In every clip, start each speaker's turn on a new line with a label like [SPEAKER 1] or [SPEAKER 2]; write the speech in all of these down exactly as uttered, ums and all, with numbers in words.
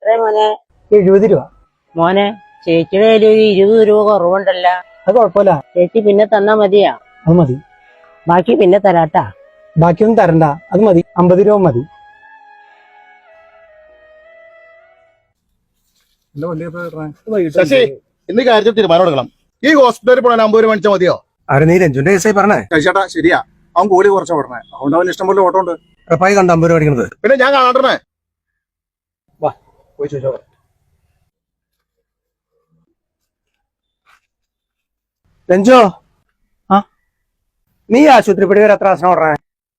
[SPEAKER 1] എത്ര മോനെ?
[SPEAKER 2] എഴുപത് രൂപ.
[SPEAKER 1] മോനെ ചേച്ചിയുടെ കയ്യിൽ ഒരു ഇരുപത് രൂപ കുറവുണ്ടല്ല.
[SPEAKER 2] അത് കുഴപ്പമില്ല
[SPEAKER 1] ചേച്ചി പിന്നെ തന്നാ മതിയാ?
[SPEAKER 2] അത് മതി.
[SPEAKER 1] ബാക്കി പിന്നെ തരാട്ടാ.
[SPEAKER 2] ബാക്കിയൊന്നും തരണ്ട, അത് മതി. അമ്പത് രൂപ മതി.
[SPEAKER 3] ശശി, ഇന്ന് കാര്യത്തിൽ തീരുമാനം എടുക്കണം. ഈ ഹോസ്പിറ്റലിൽ പോകാൻ അമ്പത് രൂപ മേടിച്ചാൽ മതിയോ?
[SPEAKER 4] ആരെ നീ രഞ്ജുന്റെ കേസായി പറഞ്ഞേ?
[SPEAKER 3] ചേട്ടാ ശരിയാ, അവൻ കൂലി കുറച്ചാ പറഞ്ഞേ. അതുകൊണ്ട് അവൻ ഇഷ്ടം പോലെ ഓട്ടോ ഉണ്ട്.
[SPEAKER 4] ഉറപ്പായി കണ്ട അമ്പത് രൂപ അടിക്കണത്.
[SPEAKER 3] പിന്നെ ഞാൻ കാണണ്ടേ?
[SPEAKER 4] വാ പോയി ചോദിച്ചോ. രഞ്ജോ,
[SPEAKER 2] ആ
[SPEAKER 4] നീ ആശുപത്രി പടി വരെ എത്ര ആസനം ഓടണേ?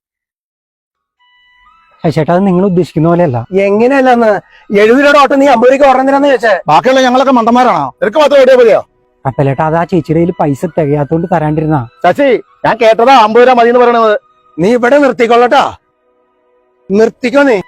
[SPEAKER 2] ചേട്ടാ, അത് നിങ്ങൾ ഉദ്ദേശിക്കുന്ന പോലെയല്ല.
[SPEAKER 4] എങ്ങനെയല്ലെന്ന് എഴുപത് രൂപയുടെ ഓട്ടം നീ അമ്പത് രൂപ ഓടണെന്തിനാന്ന് ചോദിച്ചേ?
[SPEAKER 3] ബാക്കിയുള്ള ഞങ്ങളൊക്കെ മണ്ടന്മാരാണോ? നിനക്ക് മാത്രം എവിടെയാ മതിയോ?
[SPEAKER 2] അപ്പലേട്ടാ, അത് ആ ചേച്ചിയുടെ കയ്യിൽ പൈസ തികയാത്തോണ്ട് തരാണ്ടിരുന്നാ.
[SPEAKER 3] ശശി, ഞാൻ കേട്ടതാ അമ്പത് രൂപ മതി എന്ന് പറയണത്.
[SPEAKER 4] നീ ഇവിടെ നിർത്തിക്കൊള്ളട്ടാ, നിർത്തിക്കോ നീ.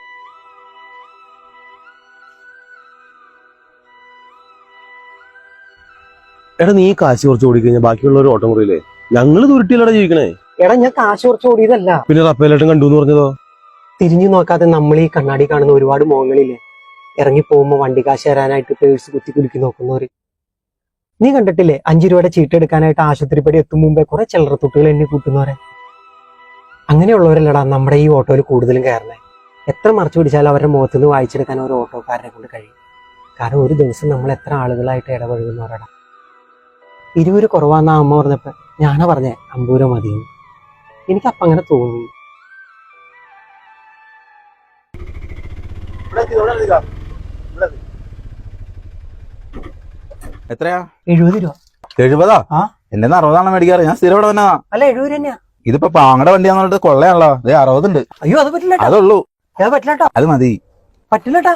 [SPEAKER 5] എടാ, നീ കാശ് കുറച്ച് ഓടിക്കഴിഞ്ഞാൽ ബാക്കിയുള്ളവർ ഓട്ടം കുറയില്ലേ? ഞങ്ങള് ദുരുട്ടിയിലൂടെ ജീവിക്കണേ.
[SPEAKER 2] എടാ, ഞാൻ കാശ് കുറച്ച് ഓടിയതല്ല.
[SPEAKER 5] പിന്നെ റപ്പേലേട്ടൻ കണ്ടു എന്ന് പറഞ്ഞതോ?
[SPEAKER 2] തിരിഞ്ഞു നോക്കാതെ നമ്മൾ ഈ കണ്ണാടി കാണുന്ന ഒരുപാട് മുഖങ്ങളില്ലേ, ഇറങ്ങി പോകുമ്പോ വണ്ടി കാശ് തരാനായിട്ട് പേഴ്സ് കുത്തി കുലുക്കി നോക്കുന്നവര്. നീ കണ്ടിട്ടില്ലേ അഞ്ചു രൂപയുടെ ചീട്ട് എടുക്കാനായിട്ട് ആശുപത്രിപ്പടി എത്തും മുമ്പേ കുറെ ചില്ലറത്തുട്ടുകൾ എന്നെ കൂട്ടുന്നവരെ? അങ്ങനെയുള്ളവരല്ലടാ നമ്മുടെ ഈ ഓട്ടോയിൽ കൂടുതലും കയറണേ. എത്ര മറച്ചു പിടിച്ചാലും അവരുടെ മുഖത്ത് നിന്ന് വായിച്ചെടുക്കാൻ ഒരു ഓട്ടോക്കാരനെ കൊണ്ട് കഴിയും. കാരണം ഒരു ദിവസം നമ്മൾ എത്ര ആളുകളായിട്ട് ഇടപഴകുന്നവരടാ. ഇരുപത് കുറവാന്നാ അമ്മ പറഞ്ഞപ്പോ ഞാനാ പറഞ്ഞേ അമ്പത് രൂപ മതിയെന്ന്. എനിക്കപ്പം അങ്ങനെ തോന്നി.
[SPEAKER 5] എത്രയാ?
[SPEAKER 2] എഴുപത് രൂപ.
[SPEAKER 5] എഴുപതാ?
[SPEAKER 2] ആ,
[SPEAKER 5] എന്റെ അറുപതാണ് മേടിക്കാറ്. ഞാൻ സ്ഥിരം ഇവിടെ തന്നെ.
[SPEAKER 2] അല്ല എഴുപത് രൂപ തന്നെയാ.
[SPEAKER 5] ഇതിപ്പോ പാങ്ങടെ വണ്ടിയാന്ന് പറഞ്ഞിട്ട് കൊള്ളയാണല്ലോ. അതേ അറുപതുണ്ട്.
[SPEAKER 2] അയ്യോ, അത് പറ്റില്ല.
[SPEAKER 5] അതുള്ളൂ.
[SPEAKER 2] അത് പറ്റില്ലട്ടോ.
[SPEAKER 5] അത് മതി.
[SPEAKER 2] പറ്റില്ലട്ടാ.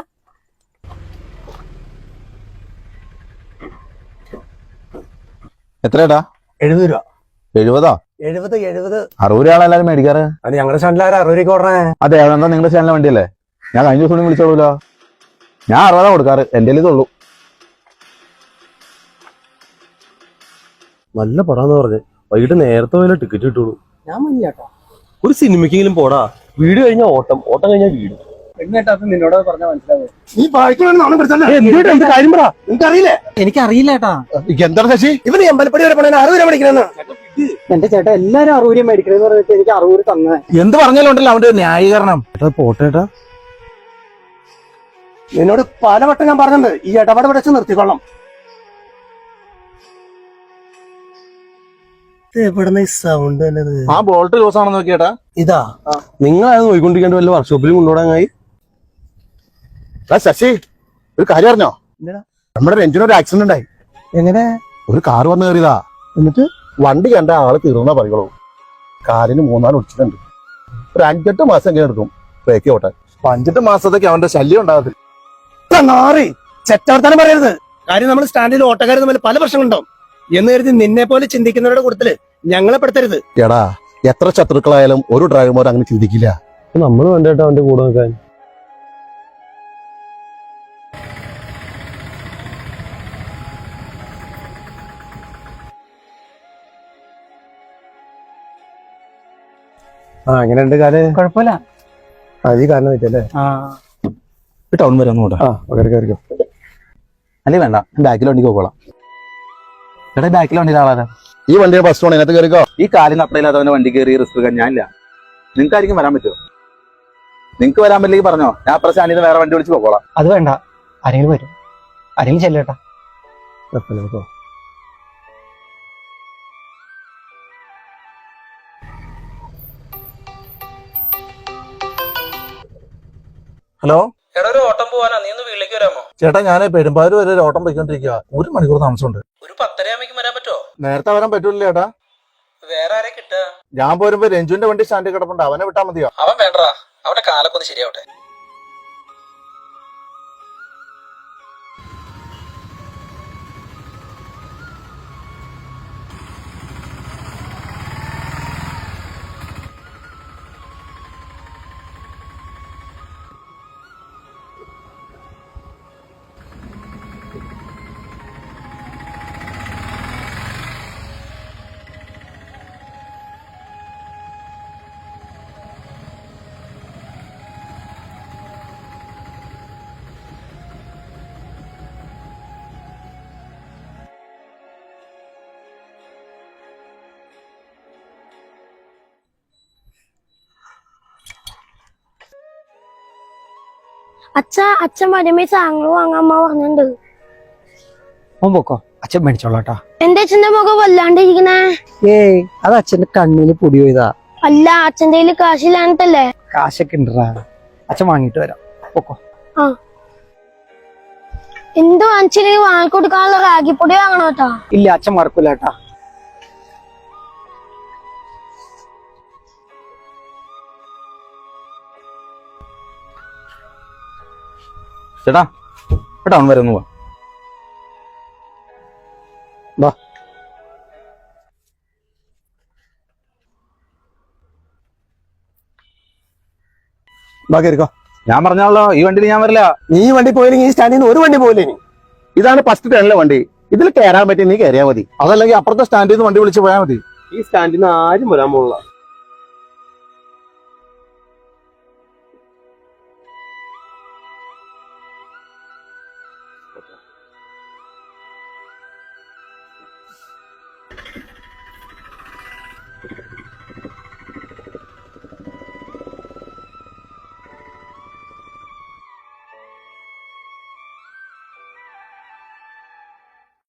[SPEAKER 5] എത്രയാടാ?
[SPEAKER 4] എഴുപത് രൂപ.
[SPEAKER 5] എഴുപതാ?
[SPEAKER 4] എഴുപത് എഴുപത്
[SPEAKER 5] അറുപത് രൂപയാണ് എല്ലാരും മേടിക്കാറ്.
[SPEAKER 4] അത് ഞങ്ങളുടെ സ്റ്റാൻഡിൽ ആരും അറുപത് രൂപ ഓടണേ.
[SPEAKER 5] അതെ, അതെന്താ നിങ്ങളുടെ ചാനലിലെ വണ്ടിയല്ലേ? ഞാൻ കഴിഞ്ഞ ദിവസം വിളിച്ചോളൂല്ലോ. ഞാൻ അറുപതാ കൊടുക്കാറ്. എന്റെ ഇതുള്ളൂ. നല്ല പടാന്ന് പറഞ്ഞ് വൈകിട്ട് നേരത്തെ പോയാലും ടിക്കറ്റ് കിട്ടുള്ളൂ.
[SPEAKER 2] ഞാൻ മഞ്ഞാട്ടോ.
[SPEAKER 5] ഒരു സിനിമയ്ക്കെങ്കിലും പോടാ. വീട് കഴിഞ്ഞാൽ ഓട്ടം, ഓട്ടം കഴിഞ്ഞാൽ വീട്.
[SPEAKER 4] നിന്നോട് പറഞ്ഞാൽ മനസ്സിലാവും.
[SPEAKER 3] നീ
[SPEAKER 4] കാര്യം പറ, നിനക്കറിയില്ലേ?
[SPEAKER 2] എനിക്കറിയില്ല ഏട്ടാ.
[SPEAKER 3] എന്താണ് ശശി?
[SPEAKER 4] ഇവന് അമ്പലപ്പടി വരെ പോണേ അറുപത് രൂപ മേടിക്കണെന്ന്.
[SPEAKER 2] എന്റെ ചേട്ടാ, എല്ലാരും അറുപത് രൂപ മേടിക്കണെന്ന് പറഞ്ഞിട്ട് എനിക്ക് അറുപത് തന്നെ.
[SPEAKER 5] എന്ത് പറഞ്ഞാലും ഉണ്ടല്ലോ അവന്റെ ന്യായീകരണം. പോട്ടേട്ടാ,
[SPEAKER 4] നിന്നോട് പലവട്ടം ഞാൻ പറഞ്ഞിട്ടുണ്ട് ഈ ഇടപാട് വെച്ച് നിർത്തിക്കൊള്ളാം. എവിടുന്ന ഈ സൗണ്ട് തന്നെ?
[SPEAKER 3] ആ ബോൾട്ട് ലൂസ് ആണെന്ന് നോക്കിയേട്ടാ.
[SPEAKER 4] ഇതാ
[SPEAKER 5] നിങ്ങൾ അത് നോയിക്കൊണ്ടിരിക്കേണ്ട വല്ല വർക്ക്ഷോപ്പിൽ കൊണ്ടുപോടാങ്ങായി.
[SPEAKER 3] ശശി, ഒരു കാര്യം അറിഞ്ഞോ? നമ്മുടെ രഞ്ജിന് ഒരു ആക്സിഡന്റ് ഉണ്ടായി.
[SPEAKER 4] എങ്ങനെ?
[SPEAKER 3] ഒരു കാർ വന്ന് കയറിയതാ.
[SPEAKER 4] എന്നിട്ട്
[SPEAKER 3] വണ്ടി കണ്ട ആള് തീർന്നാ പറയുള്ളൂ. കാലിന് മൂന്നാല് ഒടിച്ചിട്ടുണ്ട്. ഒരു അഞ്ചെട്ട് മാസം എങ്ങനെ എടുക്കും ബ്രേക്ക് ഓട്ടാൻ. അപ്പൊ അഞ്ചെട്ട് മാസത്തേക്ക് അവന്റെ ശല്യം ഉണ്ടാകത്തില്ല.
[SPEAKER 4] നാറി ചെറ്റവർത്താനം പറയരുത്. കാര്യം നമ്മൾ സ്റ്റാൻഡിൽ ഓട്ടക്കാർ തമ്മിൽ പല പ്രശ്നങ്ങളുണ്ടാവും എന്ന് കരുതി നിന്നെ പോലെ ചിന്തിക്കുന്നവരുടെ കൂട്ടത്തില് ഞങ്ങളെ പെടുത്തരുത്.
[SPEAKER 3] എടാ, എത്ര ശത്രുക്കളായാലും ഒരു ഡ്രൈവർമാർ അങ്ങനെ ചിന്തിക്കില്ല.
[SPEAKER 5] നമ്മൾ വേണ്ടേട്ടാ അവന്റെ കൂടെ നിൽക്കാൻ.
[SPEAKER 4] ആ എങ്ങനെയുണ്ട് കാല്?
[SPEAKER 2] കുഴപ്പമില്ല.
[SPEAKER 4] അത് ഈ കാരണം വെച്ചല്ലേ?
[SPEAKER 2] ആ,
[SPEAKER 5] ടൗൺ വരെ ഒന്നും കൂടെ.
[SPEAKER 4] ആ കയറിക്കോ.
[SPEAKER 5] അല്ലേ വേണ്ട, ബാക്കിൽ വണ്ടിക്ക് പോകോളാം. എടാ, ബാക്കിൽ വണ്ടി ആളാരാ?
[SPEAKER 3] ഈ വണ്ടിയുടെ ബസ് സ്റ്റോൺ ഇതിനകത്ത് കയറിക്കോ.
[SPEAKER 5] ഈ കാലിന് അപ്പടയില്ലാത്തവന്റെ വണ്ടി കയറി റിസ്ക് എടുക്കാൻ ഞാനില്ല. നിങ്ങൾക്കായിരിക്കും വരാൻ പറ്റുമോ? നിങ്ങക്ക് വരാൻ പറ്റില്ലെങ്കിൽ പറഞ്ഞോ, ഞാൻ അപ്പുറം സ്റ്റാൻഡിൽ വേറെ വണ്ടി വിളിച്ച് പോകോളാം.
[SPEAKER 2] അത് വേണ്ട. ആരെങ്കിലും വരും. ആരെങ്കിലും ചെല്ലേട്ടാ.
[SPEAKER 4] ഹലോ
[SPEAKER 6] എടാ, ഒരു ഓട്ടം പോവാനാ, നീ ഒന്ന് വീട്ടിലേക്ക് വരാമോ?
[SPEAKER 3] ചേട്ടാ, ഞാൻ പെരുമ്പാവൂർ വരെ ഒരു ഓട്ടം പോയിക്കൊണ്ടിരിക്കുക. ഒരു മണിക്കൂർ താമസമുണ്ട്.
[SPEAKER 6] ഒരു പത്തര ആകുമ്പോ വരാൻ പറ്റുമോ?
[SPEAKER 3] നേരത്തെ വരാൻ പറ്റൂല ചേട്ടാ.
[SPEAKER 6] വേറെ ആരെ കിട്ടുക?
[SPEAKER 3] ഞാൻ പോരുമ്പോ രഞ്ജുവിന്റെ വണ്ടി സ്റ്റാൻഡിൽ കിടപ്പുണ്ട്. അവനെ വിട്ടാ മതിയോ?
[SPEAKER 6] അവൻ വേണ്ടടാ, അവന്റെ കാലൊക്കെ ഒന്ന് ശരിയാവട്ടെ.
[SPEAKER 7] അച്ഛ അച്ഛൻ വരുമ്പോ സാധനങ്ങൾ വാങ്ങാൻ അമ്മ പറഞ്ഞിട്ടുണ്ട്.
[SPEAKER 2] അവൻ പൊക്കോ, അച്ഛൻ മേടിച്ചോളാട്ടാ.
[SPEAKER 7] എന്റെ അച്ഛന്റെ മുഖം വല്ലാണ്ടിരിക്കണേ.
[SPEAKER 2] ഏയ് അത് അച്ഛന്റെ കണ്ണില് പൊടി പോയതാ.
[SPEAKER 7] അല്ല അച്ഛന്റെ കയ്യില് കാശില്ലാണ്ടല്ലേ.
[SPEAKER 2] കാശൊക്കെ ഉണ്ടറാ, അച്ഛൻ വാങ്ങിട്ട് വരാം. പൊക്കോ.
[SPEAKER 7] ആ എന്ത് വാങ്ങിച്ചില്ലെങ്കിൽ വാങ്ങിക്കൊടുക്കാനുള്ള റാഗിപ്പൊടി വാങ്ങണോ കേട്ടാ.
[SPEAKER 2] ഇല്ല അച്ഛൻ മറക്കൂലേട്ടാ.
[SPEAKER 5] ചേട്ടാ ടൗൺ വരെ ഒന്ന് പോവാ.
[SPEAKER 3] ബാക്കിയിരിക്കോ.
[SPEAKER 5] ഞാൻ പറഞ്ഞാലോ ഈ വണ്ടിയിൽ ഞാൻ വരില്ല.
[SPEAKER 4] നീ ഈ വണ്ടി പോയില്ലെങ്കിൽ ഈ സ്റ്റാൻഡിൽ നിന്ന് ഒരു വണ്ടി പോയില്ലേ നീ.
[SPEAKER 3] ഇതാണ് ഫസ്റ്റ് ടേണിലെ വണ്ടി. ഇതിൽ കയറാൻ പറ്റി നീ കയറിയാ മതി. അതല്ലെങ്കിൽ അപ്പുറത്തെ സ്റ്റാൻഡിൽ നിന്ന് വണ്ടി വിളിച്ച് പോയാൽ മതി.
[SPEAKER 4] ഈ സ്റ്റാൻഡിൽ നിന്ന് ആരും വരാൻ പോകില്ല.